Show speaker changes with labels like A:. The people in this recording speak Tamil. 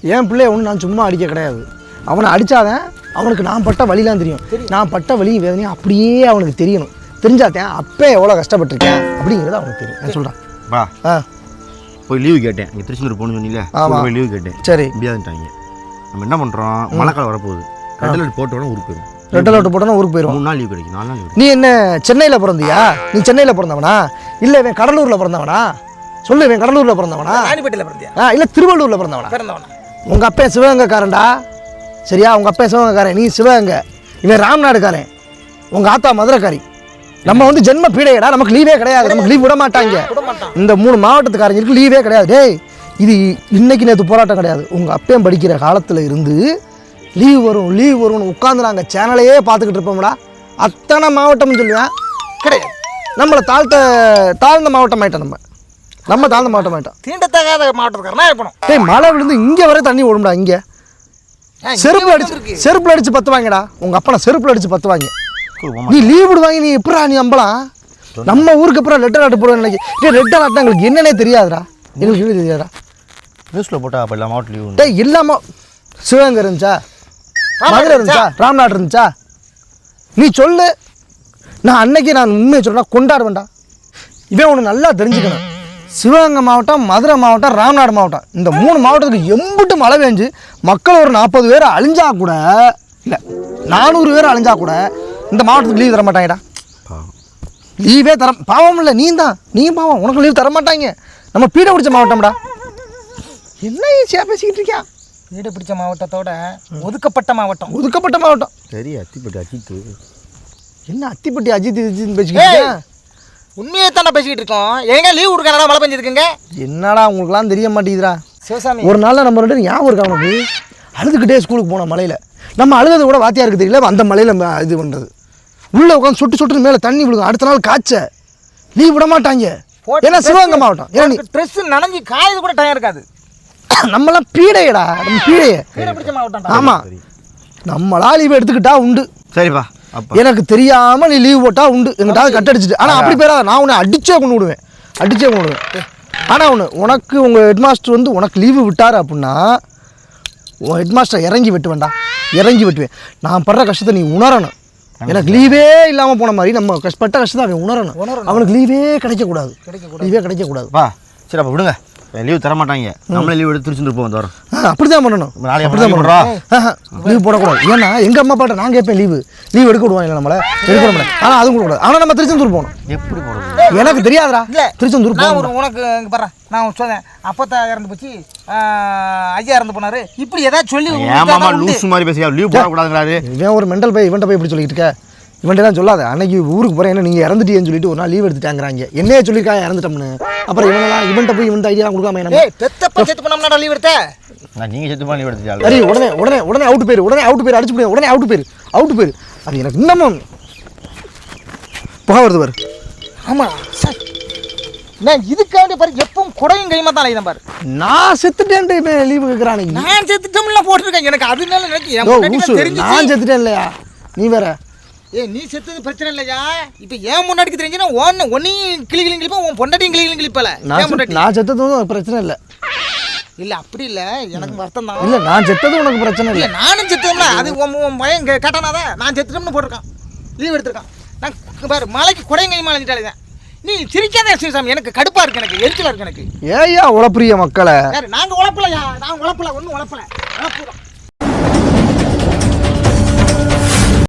A: என் பிள்ளைய ஒன்று நான் சும்மா அடிக்க கிடையாது. அவனை அடித்தாதான் அவனுக்கு நான் பட்ட வழிலாம் தெரியும். நான் பட்ட வழியும் வேதனையும் அப்படியே அவனுக்கு தெரியணும். தெரிஞ்சாத்தேன் அப்போ எவ்வளோ கஷ்டப்பட்டிருக்கேன் அப்படிங்கிறது அவனுக்கு தெரியும். நான் சொல்கிறேன்
B: பா. போய் லீவு கேட்டேன். இங்கே திருச்செந்தூர் போகணும்னு சொன்னீங்களே. ஆமாம், போய் லீவு கேட்டேன். சரி, முடியாதுட்டாங்க. நம்ம என்ன பண்ணுறோம், மழைக்காலம் வரப்போகுது. ரெட் அலர்ட் போட்டோன்னா ஊருக்கு போயிடும்.
A: ரெட் அலர்ட் போட்டோன்னா ஊருக்கு போயிடும்.
B: 3 நாள் லீவ் கிடைக்கும், 4 நாள் லீவ்.
A: நீ என்ன சென்னையில் பிறந்தியா? நீ சென்னையில் பிறந்தவனா இல்லை இவன் கடலூரில் பிறந்தவனா? சொல்லு, இவன் கடலூரில் பிறந்தவனா?
C: ராணிப்பேட்டையில் பிறந்தியா?
A: இல்லை திருவள்ளூரில் பிறந்தவனா? உங்கள் அப்பா சிவகங்கைக்காரன்டா. சரியா? உங்கள் அப்பா சிவகங்கைக்காரன், நீ சிவகங்கை. இவன் ராம்நாடுக்காரன், உங்கள் ஆத்தா மதுரைக்காரி. நம்ம வந்து ஜென்ம பீடையடா. நமக்கு லீவே கிடையாது. நமக்கு லீவ் விட மாட்டாங்க. இந்த 3 மாவட்டத்துக்காரங்களுக்கு லீவே கிடையாது. டேய், இது இன்னைக்கு நேற்று போராட்டம் கிடையாது. உங்கள் அப்பையும் படிக்கிற காலத்தில் இருந்து லீவ் வரும்னு உட்காந்து நாங்கள் சேனலையே பார்த்துக்கிட்டு இருப்போம்டா. அத்தனை மாவட்டம்னு சொல்லுவேன் கிடையாது. நம்மளை தாழ்ந்த மாவட்டம் ஆகிட்டோம். நம்ம தாழ்ந்த மாவட்டம் ஆகிட்டோம்.
C: தீண்டத்தகாத மாவட்டத்துக்காரனா இருக்கணும்.
A: டேய், மழை விழுந்து இங்கே வரை தண்ணி ஓடும்டா. இங்கே செருப்புல அடிச்சு பத்துவாங்கடா. உங்கள் அப்பனை செருப்புல அடிச்சு பத்துவாங்க. நீ லீவ் விடுவாங்க. நீ எப்படா நீ நம்பலாம்? நம்ம ஊருக்கு அப்புறம் லெட்டர் ஆட்டு போடுவேன் நினைக்கி. லெட்டர் ஆட்டினா எங்களுக்கு என்னன்னே தெரியாதுடா. எங்களுக்கு என்ன தெரியாதா?
B: நியூஸில் போட்டால் அப்போ எல்லா மாவட்டம் லீவு.
A: டேய், எல்லாமா சிவகங்கை இருந்துச்சா, மதுரை இருந்துச்சா, ராம்நாடு இருந்துச்சா? நீ சொல்லு. நான் அன்னைக்கு நான் உண்மையை சொல்கிறேன், கொண்டாடுவேன்டா. இவன் ஒன்று நல்லா தெரிஞ்சுக்கணும். சிவகங்கை மாவட்டம், மதுரை மாவட்டம், ராம்நாடு மாவட்டம், இந்த 3 மாவட்டத்துக்கு எம்பிட்டு மழை பெஞ்சு மக்கள் ஒரு 40 பேர் அழிஞ்சா கூட, இல்லை 400 பேர் அழிஞ்சா கூட இந்த மாவட்டத்துக்கு லீவ் தர மாட்டாங்கடா. லீவே பாவம் இல்லை, நீயும் பாவம். உனக்கு லீவ் தர மாட்டாங்க. நம்ம பீடை பிடிச்ச மாவட்டம்டா. என்ன ஈஸியாக பேசிக்கிட்டு இருக்கியா?
C: வீடு பிடிச்ச மாவட்டத்தோட ஒதுக்கப்பட்ட மாவட்டம்.
B: சரி, அத்திப்பட்டி அஜித்து.
A: என்ன அத்திப்பட்டி அஜித் பேசிக்கிட்டு?
C: உண்மையை தானே பேசிக்கிட்டு இருக்கோம். எங்க லீவ் கொடுக்கறனால மழை பெஞ்சிருக்குங்க.
A: என்னடா உங்களுக்குலாம் தெரிய மாட்டேங்குதுடா.
C: சிவசாமி,
A: ஒரு நாளில் நம்ம 2 பேரும் ஞாபகம் இருக்கா உனக்கு? அழுதுகிட்டே ஸ்கூலுக்கு போனோம் மலையில். நம்ம அழுது கூட வாத்தியாருக்கு தெரியல. அந்த மலையில் இது பண்ணுறது உள்ளே உட்காந்து சொட்டு மேலே தண்ணி விழுகும். அடுத்த நாள் காய்ச்ச லீவ் விட மாட்டாங்க. ஏன்னா சிவகங்கை மாவட்டம். ஏன்னா
C: ட்ரெஸ் நனைஞ்சி காயது கூட டைம் இருக்காது.
A: நம்மளாம் பீடையடா. நம்ம பீடைய
C: பிடிச்ச மாவட்டம்.
A: ஆமாம், நம்மளா லீவ் எடுத்துக்கிட்டா உண்டு.
B: சரிப்பா,
A: எனக்கு தெரியாமல் நீ லீவ் போட்டால் உண்டு. எங்கிட்டாவது கட் அடிச்சுட்டு. ஆனால் அப்படி பேராத. நான் உன்னை அடிச்சே கொண்டு விடுவேன். ஆனால் உனக்கு உங்கள் ஹெட்மாஸ்டர் வந்து உனக்கு லீவு விட்டார் அப்படின்னா உன் ஹெட்மாஸ்டர் இறங்கி வெட்டுவேன். நான் படுற கஷ்டத்தை நீ உணரணும். எனக்கு லீவே இல்லாமல் போன மாதிரி நம்ம பட்ட கஷ்டத்தை அவன் உணரணும். அவனுக்கு லீவே கிடைக்கக்கூடாது.
B: சரி, அப்போ விடுங்க. லீவ் தர மாட்டாங்க. நம்மளே லீவ் எடுத்து திருச்செந்தூர் போவோம் வரோம்.
A: அப்படிதான் பண்ணணும். லீவ் போடக்கூடாது. ஏன்னா எங்கள் அம்மா பாட்ட நான் கேட்பேன் லீவ் எடுக்க விடுவாங்க. நம்மளை எடுக்க விட மாட்டேன். ஆனால் அதுவும் கூடாது. ஆனால் நம்ம திருச்செந்தூர் போகணும்.
B: எப்படி போகணும்
A: எனக்கு தெரியாதுடா. இல்லை, திருச்செந்தூர் போகணும்.
C: உனக்கு பாரு, நான் சொன்னேன் அப்பத்தா இறந்து போச்சு, ஐயா இறந்து போனாரு, இப்படி ஏதாவது சொல்லி
B: லூஸ் மாதிரி பேசியா? லீவ் போடக்கூடாதுங்கிறாரு.
A: இவன் ஒரு மெண்டல் போய் இவன்ட்ட போய் இப்படி சொல்லிட்டு இருக்க. இவன்ட்டு தான் சொல்லாத. அன்னைக்கு ஊருக்கு போகிறேன், என்ன நீங்கள் இறந்துட்டீங்கன்னு சொல்லிட்டு ஒரு நாள் லீவ் எடுத்துட்டாங்கிறாங்க. என்னையே சொல்லியிருக்காங்க இறந்துட்டோம்னு. அப்புறம் இவன்ட்ட போய் இவன்ட்ட ஐடியா கொடுக்காம என்ன
C: செத்து பண்ணா லீவ் எடுத்த?
B: நீங்கள் செத்து பண்ணி லீவ் எடுத்துட்டாங்க.
A: சரி, உடனே அவுட் பேர் அடிச்சு போய் உடனே அவுட் பேர். அது எனக்கு இன்னமும் புகை வருது பாரு.
C: ஆமாம் சார், நான் இதுக்காண்டி பாரு எப்பவும் குடையும் கைமா தான் அலைதான் பாரு.
A: நான் செத்துட்டேன்ட்டு லீவு கேட்குறான்.
C: நான் செத்துட்டோம்லாம் போட்டிருக்கேன். எனக்கு அதனால
A: நான் செத்துட்டேன் இல்லையா? நீ வேற.
C: நீ செத்தது பிரச்சனை இல்லையா? இப்போ ஏன் முன்னாடிக்கு தெரிஞ்சுன்னா ஒன்னையும் கிளிப்பா, உன் பொண்டாட்டியும் கிளிப்பல.
A: நான் செத்ததும் பிரச்சனை இல்லை.
C: இல்லை அப்படி இல்லை, எனக்கு வருத்தம் தான்.
A: இல்லை, நான் செத்தது உனக்கு பிரச்சனை இல்லை.
C: நானும் செத்தோம்ல, அது உன் பையன் கேட்டானாதான் நான் செத்துட்டோம்னு போட்டிருக்கான், லீவ் எடுத்திருக்கான். நான் பாரு மலைக்கு குடையும் கைமா அழைஞ்சிட்டாலே. நீ சிரிக்காத சிவசாமி, எனக்கு கடுப்பா இருக்கு, எனக்கு எரிச்சலா இருக்கு. எனக்கு
A: ஏயா உழப்புரிய மக்களை?
C: நாங்கள் உழப்பலையா? நான் உழப்பல, ஒன்றும் உழப்பல.